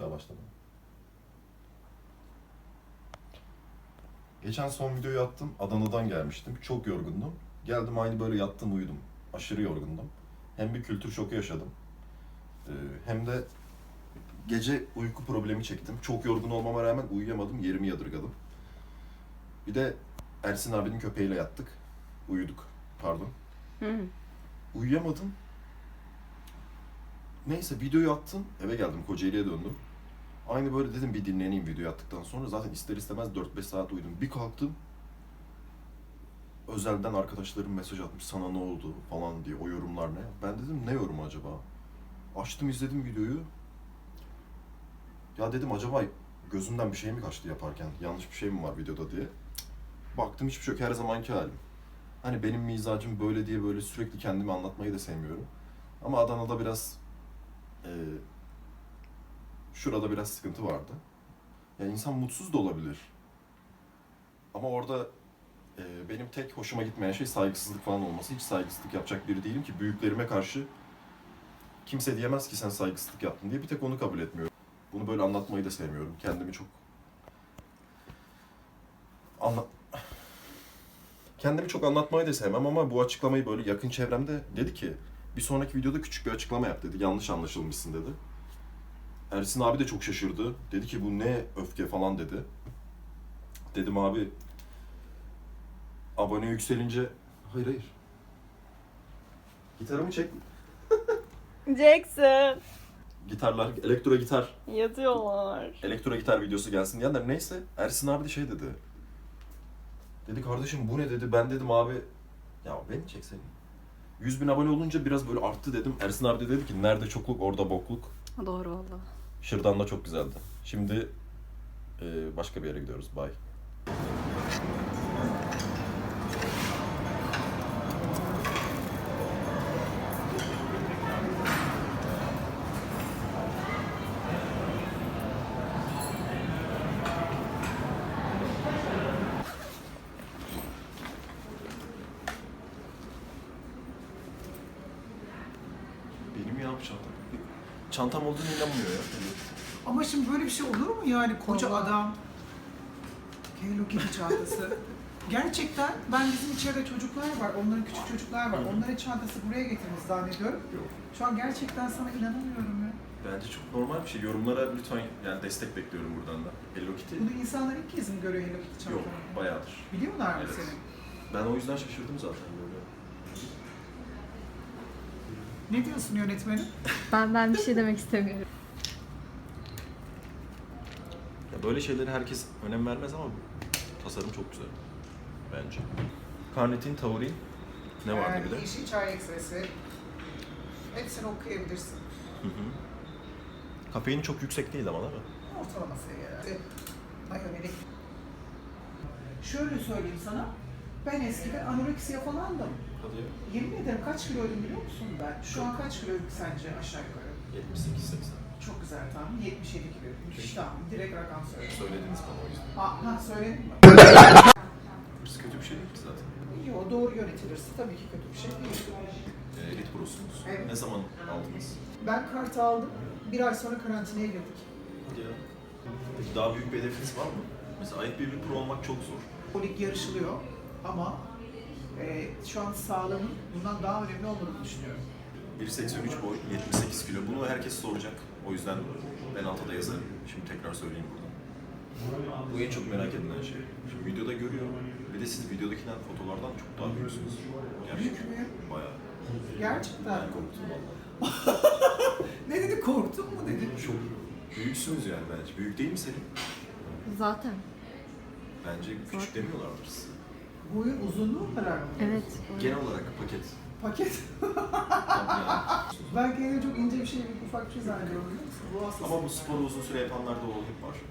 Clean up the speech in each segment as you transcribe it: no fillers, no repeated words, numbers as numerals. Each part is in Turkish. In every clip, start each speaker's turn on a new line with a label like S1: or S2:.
S1: daha başladım. Geçen son videoyu attım. Adana'dan gelmiştim. Çok yorgundum. Geldim aynı böyle yattım uyudum. Aşırı yorgundum. Hem bir kültür şoku yaşadım. Hem de gece uyku problemi çektim. Çok yorgun olmama rağmen uyuyamadım. Yerimi yadırgadım. Bir de Ersin abinin köpeğiyle yattık. Uyuduk. Pardon. Uyuyamadım. Neyse videoyu attım. Eve geldim. Kocaeli'ye döndüm. Aynı böyle dedim bir dinleneyim videoyu attıktan sonra. Zaten ister istemez 4-5 saat uyudum. Bir kalktım. Özelden arkadaşlarım mesaj atmış sana ne oldu falan diye. O yorumlar ne? Ben dedim ne yorumu acaba? Açtım izledim videoyu. Ya dedim acaba gözümden bir şey mi kaçtı yaparken? Yanlış bir şey mi var videoda diye. Baktım hiçbir şey yok. Her zamanki halim. Hani benim mizacım böyle diye böyle sürekli kendimi anlatmayı da sevmiyorum. Ama Adana'da biraz şurada biraz sıkıntı vardı. Yani insan mutsuz da olabilir. Ama orada benim tek hoşuma gitmeyen şey saygısızlık falan olması. Hiç saygısızlık yapacak biri değilim ki büyüklerime karşı kimse diyemez ki sen saygısızlık yaptın diye bir tek onu kabul etmiyorum. Bunu böyle anlatmayı da sevmiyorum. Kendimi çok Kendimi çok anlatmayı da sevmem ama bu açıklamayı böyle yakın çevremde dedi ki bir sonraki videoda küçük bir açıklama yap dedi. Yanlış anlaşılmışsın dedi. Ersin abi de çok şaşırdı. Dedi ki bu ne öfke falan dedi. Dedim abi abone yükselince hayır. Gitarımı çek.
S2: Jackson.
S1: Gitarlar, elektro gitar.
S2: Yatıyorlar.
S1: Elektro gitar videosu gelsin diyenler neyse. Ersin abi de şey dedi. Dedi kardeşim bu ne dedi. Ben dedim abi ya beni çeksen. 100.000 abone olunca biraz böyle arttı dedim. Ersin abi de dedi ki nerede çokluk orada bokluk.
S2: Doğru valla.
S1: Şırdan da çok güzeldi. Şimdi başka bir yere gidiyoruz. Bye. Benim ya bu çantam. Çantam olduğunu inanmıyor ya.
S3: Ama şimdi böyle bir şey olur mu yani koca
S2: Allah.
S3: adam Hello Kitty çantası. Gerçekten ben bizim içeride çocuklar var, onların küçük çocuklar var. Onların çantası buraya getirmiş zannediyorum.
S1: Yok.
S3: Şu an gerçekten sana inanamıyorum ya.
S1: Bence çok normal bir şey. Yorumlara lütfen yani destek bekliyorum buradan da. Hello Kitty.
S3: Bunu insanlar ilk kez mi görüyor Hello Kitty
S1: Yok,
S3: çantanı?
S1: bayağıdır.
S3: Biliyorlar mı
S1: Evet.
S3: seni?
S1: Ben o yüzden şaşırdım zaten böyle.
S3: Ne diyorsun yönetmenim?
S2: Ben bir şey demek istemiyorum.
S1: Ya böyle şeylere herkes önem vermez ama tasarım çok güzel. Bence. Carnitine taurin. Ne vardı bir de?
S3: Yeşil çay ekstresi. Hepsini okuyabilirsin.
S1: Hı hı. Kafeini çok yüksek değil ama değil mi?
S3: Ortalama seviyelerde. Mayonelik. Şöyle söyleyeyim sana. Ben eskiden anoreksiya falandım.
S1: Hadi ya.
S3: Yemin ederim kaç kiloydum biliyor musun ben? Şu an kaç kiloydum sence aşağı yukarı?
S1: 78-80.
S3: Çok güzel tahmin. 77 kilo. Müthiş tahmin. Direkt rakam söyle.
S1: Söylediniz bana o yüzden.
S3: Ha söyledim mi?
S1: Hırs kötü bir şey değil ki zaten.
S3: Yo doğru yönetilirse tabii ki kötü bir şey değil.
S1: Elit prosunuz.
S3: Evet.
S1: Ne zaman aldınız?
S3: Ben kartı aldım. Bir ay sonra karantinaya girdik.
S1: Hadi ya. Peki daha büyük bir hedefiniz var mı? Mesela IFBB Pro olmak çok zor.
S3: O lig yarışılıyor ama şu an sağlığımın bundan daha önemli olduğunu düşünüyorum.
S1: 1.83 boy, 78 kilo. Bunu herkes soracak. O yüzden ben altta da yazarım. Şimdi tekrar söyleyeyim burada. Bu en çok merak edilen şey. Şimdi videoda görüyorum. Bir de siz videodakinden fotolardan çok daha büyüksünüz.
S3: Büyük mü?
S1: Bayağı.
S3: Gerçekten.
S1: Ben korktum valla.
S3: Ne dedi korktun mu dedi.
S1: Çok büyüksünüz yani bence. Büyük değil mi senin?
S2: Zaten.
S1: Bence küçük demiyorlardır size.
S3: Boyun uzunluğu olarak mı?
S2: Evet.
S1: Genel olarak paket.
S3: Paket.
S1: Yani.
S3: Ben kendimi çok ince bir şey, bir ufak bir şey zannediyorum biliyor musun? Bu aslında.
S1: Ama bu sporu uzun süre yapanlarda o hep var.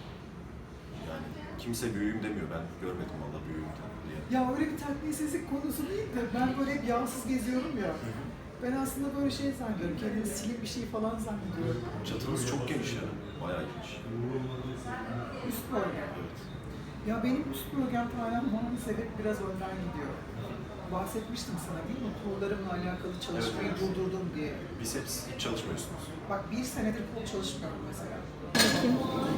S1: Yani kimse büyüğüm demiyor. Ben görmedim valla büyüğüm diye.
S3: Ya öyle bir terbiyesizlik konusu değil de ben böyle hep yağsız geziyorum ya. Ben aslında böyle şey zannediyorum, kendimi silik bir şey falan zannediyorum.
S1: Çatınız çok geniş ya. Bayağı geniş.
S3: Üst bölge.
S1: Evet.
S3: Ya benim üst bölgem hala maalesef hep biraz önden gidiyor. Bahsetmiştim sana değil mi? Kollarımla alakalı çalışmayı
S1: Evet.
S3: durdurdum diye.
S1: Biceps hiç çalışmıyorsunuz.
S3: Bak bir senedir kol çalışmıyorum mesela.
S2: Bakayım.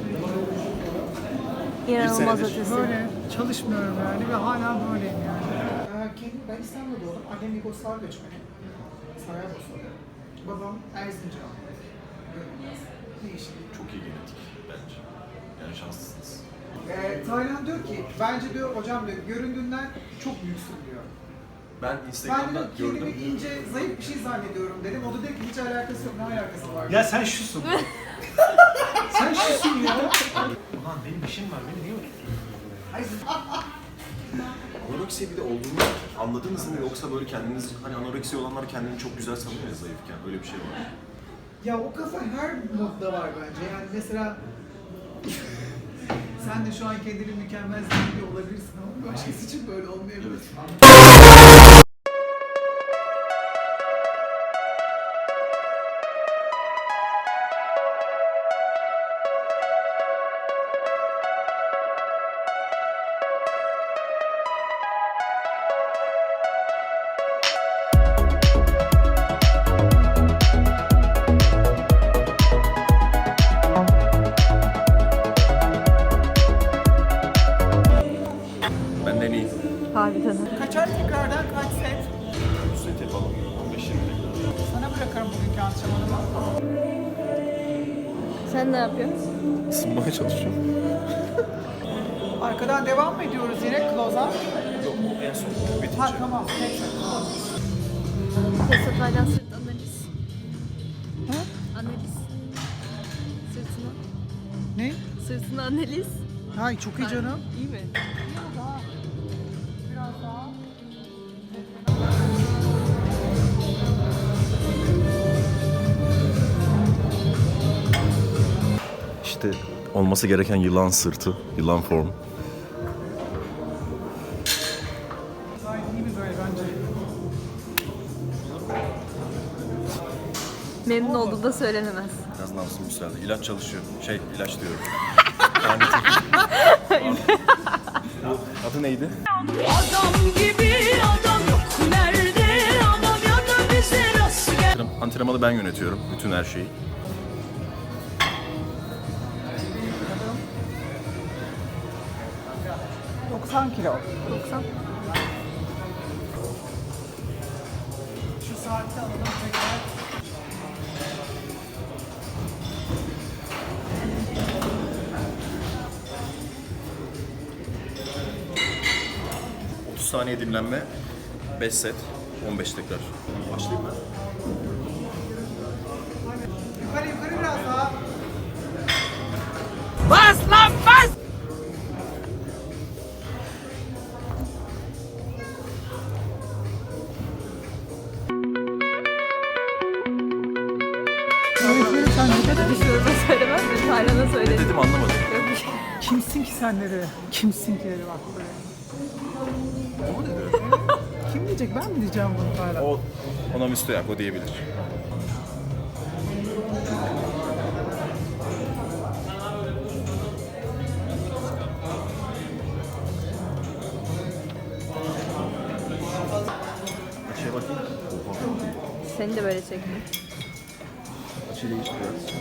S2: İnanılmaz
S1: senedir.
S2: ötesi.
S3: Böyle çalışmıyorum yani ve hala böyleyim yani. Ben İstanbul'da doğdum. Annem Yugoslav göçmeni. Saraybosna. Babam Erzincan. Değişik.
S1: Çok iyi genetik bence. Yani şanslısınız.
S3: Taylan diyor ki, bence diyor hocam diyor, göründüğünden çok büyüksün diyor.
S1: Ben
S3: Ben
S1: Instagram'da
S3: de kendimi
S1: gördüm.
S3: ince, zayıf bir şey zannediyorum dedim. O da dedi ki hiç alakası yok, ne alakası var?
S4: Ya sen şusun.
S3: sen şusun ya.
S4: Ulan benim işim var, beni niye unuttun?
S1: Anoreksiye bir de olduğunu anladınız mı, yoksa böyle kendiniz, hani anoreksiye olanlar kendini çok güzel sanıyor ya zayıfken, öyle bir şey var.
S3: Ya o kafa her modda var bence. Yani mesela sen de şu an kendini mükemmel zannediyor olabilirsin ama başkası için böyle olmayabilir.
S1: Benden iyi.
S2: Harbiden.
S3: Kaçar tekrardan kaç set?
S1: 100 set falan, 15-20 tekrar.
S3: Sana bırakırım bugünkü antrenmanımı.
S2: Sen ne yapıyorsun?
S1: Isınmaya çalışıyorum.
S3: Arkadan devam mı ediyoruz yine close'a?
S1: Yok, bu en son bitince.
S3: Ha tamam. Peki.
S2: Tesla Taylan sırt analiz.
S3: Ha?
S2: Analiz. Sırtına.
S3: Ne?
S2: Sırtına analiz.
S3: Hay çok iyi canım.
S2: İyi mi?
S3: Biraz daha.
S1: İşte olması gereken yılan sırtı, yılan form.
S3: Gayet iyi mi böyle bence?
S2: Memnun olduğum da söylenemez.
S1: Biraz nabzım yükseldi. İlaç çalışıyor. İlaç diyorum. Adı neydi?
S5: Adam gibi adam yok nerede adam ya da bize rast gel.
S1: Antrenmanı ben yönetiyorum. Bütün her şeyi.
S3: Hı? 90 kilo.
S2: 90.
S3: Şu saatte alalım tekrar.
S1: Saniye dinlenme, 5 set, 15 tekrar. Başlayayım mı?
S3: Yukarı yukarı biraz daha.
S5: Bas lan bas.
S3: Öğretmenim sen ne kadar
S2: Düşünürme söylemez mi? Taylan'a
S1: Ne
S2: söyledim.
S1: dedim anlamadım.
S2: Yok bir şey.
S3: kimsin ki sen dedi. Kimsin ki dedi bak böyle.
S1: O mu dedi?
S3: Kim diyecek ben mi diyeceğim bunu hala?
S1: O, ona müstehak, o diyebilir. Açıya bakayım. Oha.
S2: Seni de böyle çektim.
S1: Açı değişti biraz.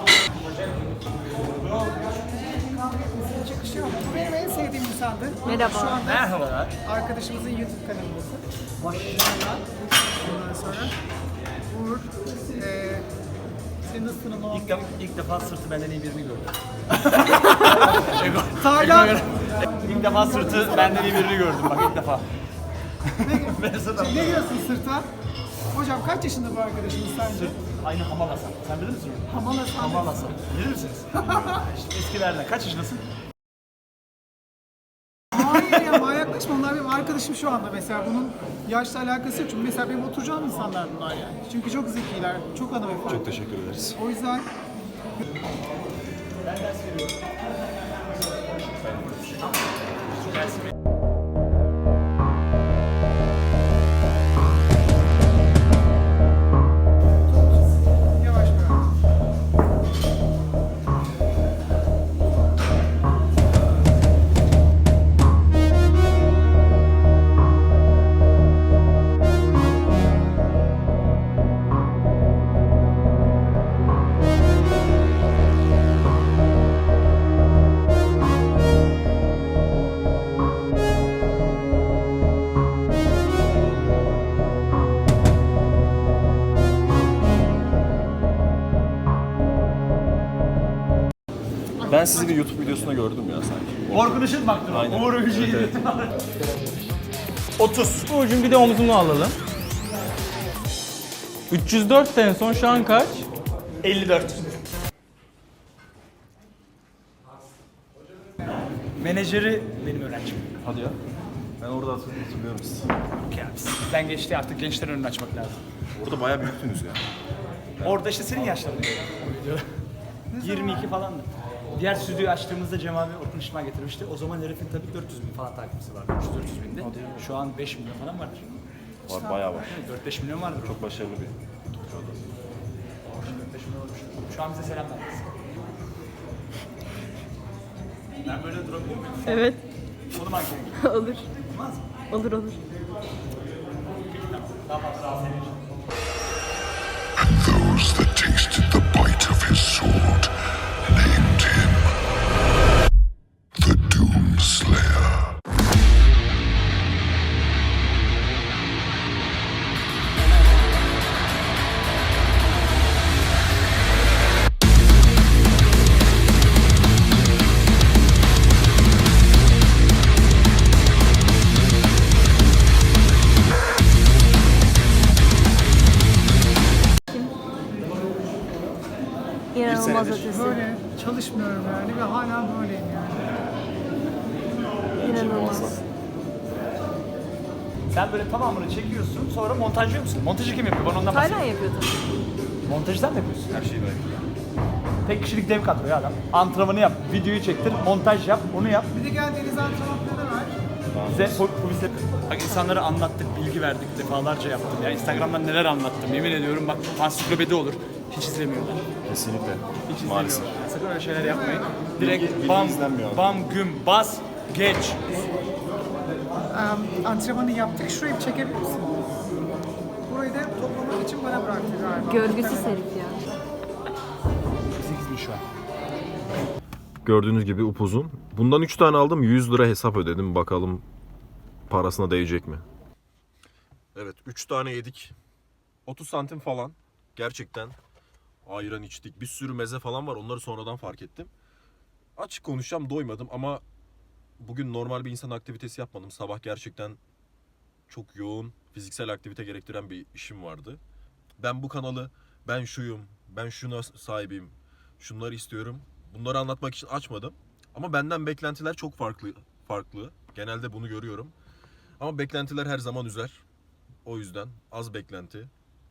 S3: Hiç yakışıyor mu? Bu benim en sevdiğim insandı.
S2: Merhaba.
S3: Şu anda
S4: Merhabalar.
S3: arkadaşımızın YouTube kanalındasın. Maşallah. Ondan sonra Uğur, senin nasıl tanımlaman
S4: İlk defa sırtı benden iyi birini gördüm.
S3: Taylan.
S4: İlk defa sırtı benden iyi birini gördüm bak ilk defa.
S3: Ne diyorsun sırta? Hocam kaç yaşında bu arkadaşımız sence?
S4: Aynı Hamal Hasan. Sen bilir misin onu?
S3: Hamal Hasan.
S4: Hamal Hasan. Bilir misiniz? İşte eskilerden. Kaç yaşındasın?
S3: Hayır ya manyaklaşma, onlar benim arkadaşım şu anda mesela, bunun yaşla alakası yok çünkü mesela benim oturacağım insanlar bunlar yani. Çünkü çok zekiler, çok hanımefendi.
S1: Çok teşekkür ederiz.
S3: O yüzden
S4: Ben ders veriyorum.
S3: yavaş böyle.
S1: Ben sizi bir YouTube videosunda gördüm ya sanki.
S4: Orkun Işıtmak'tır o.
S1: Aynen.
S4: Uğur Övücü'yü
S1: Evet,
S6: 30. Uğur'cum bir de omzunu alalım. 304 en son, şu an kaç?
S4: 54. Menajeri benim öğrencim.
S1: Hadi ya. Ben orada hatırlıyorum sizi.
S4: Ya bizden geçti, artık gençlerin önünü açmak lazım.
S1: Orada bayağı büyüktünüz ya.
S4: Orada işte senin yaşlarında o videoda. 22 falandı. Diğer stüdyoyu açtığımızda Cem abi Orkun Işıtmak getirmişti. O zaman herifin tabii 400 bin falan takipçisi vardı. 300-400 binde. Şu an 5 milyon falan vardır.
S1: Var, bayağı var.
S4: 4-5 milyon vardır.
S1: Çok başarılı bir YouTube'cu adam.
S4: 4-5 milyon olmuş. Şu an bize selam vermez. Ben böyle durabiliyor muyum?
S2: Evet.
S4: Onu manken.
S2: Olur.
S4: Olmaz mı?
S2: Olur olur.
S4: Daha fazla rahatsız edici.
S7: Those that tasted the bite of his sword named him the Doomslayer.
S2: İnanılmaz ötesi.
S3: Böyle çalışmıyorum yani ve hala böyleyim yani.
S2: İnanılmaz.
S4: Sen böyle tamamını çekiyorsun, sonra montajlıyor musun? Montajı kim yapıyor? Bana ondan bahset.
S2: Taylan yapıyordu.
S4: Montajı sen mi yapıyorsun?
S1: Her şeyi ben yapıyorum.
S4: Tek kişilik dev kadro ya adam. Antrenmanı yap, videoyu çektir, montaj yap, onu yap.
S3: Bir de gel deniz antrenmanları var.
S4: Bize publisite... Bak insanlara anlattık, bilgi verdik, defalarca yaptım ya. Instagram'dan neler anlattım, yemin ediyorum bak ansiklopedi olur. Hiç izlemiyorlar.
S1: Kesinlikle.
S4: Hiç
S1: Maalesef.
S4: izlemiyorlar. Sakın öyle şeyler yapmayın.
S1: Bilgi
S4: Direkt bam,
S1: izlenmiyor abi.
S4: bam, güm, bas, geç.
S3: Antrenmanı yaptık. Şurayı bir çekebilir misin? Burayı da toplamak için bana bıraktı galiba.
S2: Görgüsüz herif ya.
S4: 8 bin şu an.
S1: Gördüğünüz gibi upuzun. Bundan 3 tane aldım. 100 lira hesap ödedim. Bakalım parasına değecek mi? Evet, 3 tane yedik. 30 santim falan. Gerçekten ayran içtik. Bir sürü meze falan var. Onları sonradan fark ettim. Açık konuşacağım, doymadım ama bugün normal bir insan aktivitesi yapmadım. Sabah gerçekten çok yoğun fiziksel aktivite gerektiren bir işim vardı. Ben bu kanalı, ben şuyum, ben şuna sahibim, şunları istiyorum. Bunları anlatmak için açmadım. Ama benden beklentiler çok farklı. Genelde bunu görüyorum. Ama beklentiler her zaman üzer. O yüzden az beklenti.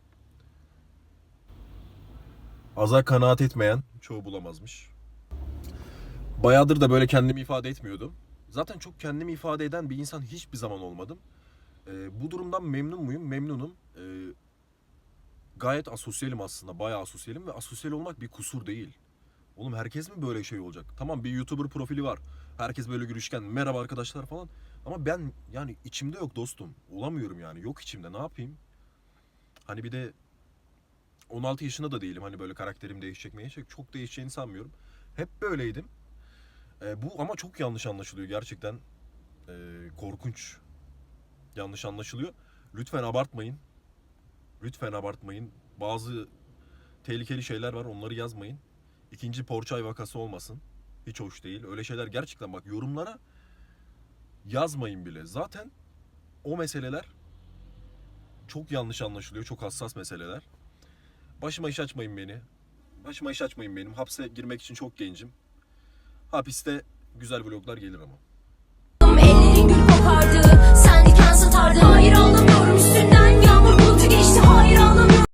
S1: Aza kanaat etmeyen çoğu bulamazmış. Bayağıdır da böyle kendimi ifade etmiyordum. Zaten çok kendimi ifade eden bir insan hiçbir zaman olmadım. Bu durumdan memnun muyum? Memnunum. Gayet asosyalim aslında. Bayağı asosyalim ve asosyal olmak bir kusur değil. Oğlum herkes mi böyle şey olacak? Tamam, bir YouTuber profili var. Herkes böyle girişken merhaba arkadaşlar falan. Ama ben yani içimde yok dostum. Olamıyorum yani. Yok içimde, ne yapayım? Hani bir de 16 yaşında da değilim. Hani böyle karakterim değişecek. Çok değişeceğini sanmıyorum. Hep böyleydim. Bu ama çok yanlış anlaşılıyor gerçekten. Korkunç. Yanlış anlaşılıyor. Lütfen abartmayın. Lütfen abartmayın. Bazı tehlikeli şeyler var. Onları yazmayın. İkinci Porçay vakası olmasın. Hiç hoş değil. Öyle şeyler gerçekten bak yorumlara yazmayın bile. Zaten o meseleler çok yanlış anlaşılıyor. Çok hassas meseleler. Başıma iş açmayın beni. Başıma iş açmayın benim. Hapse girmek için çok gencim. Hapiste güzel vloglar gelir ama.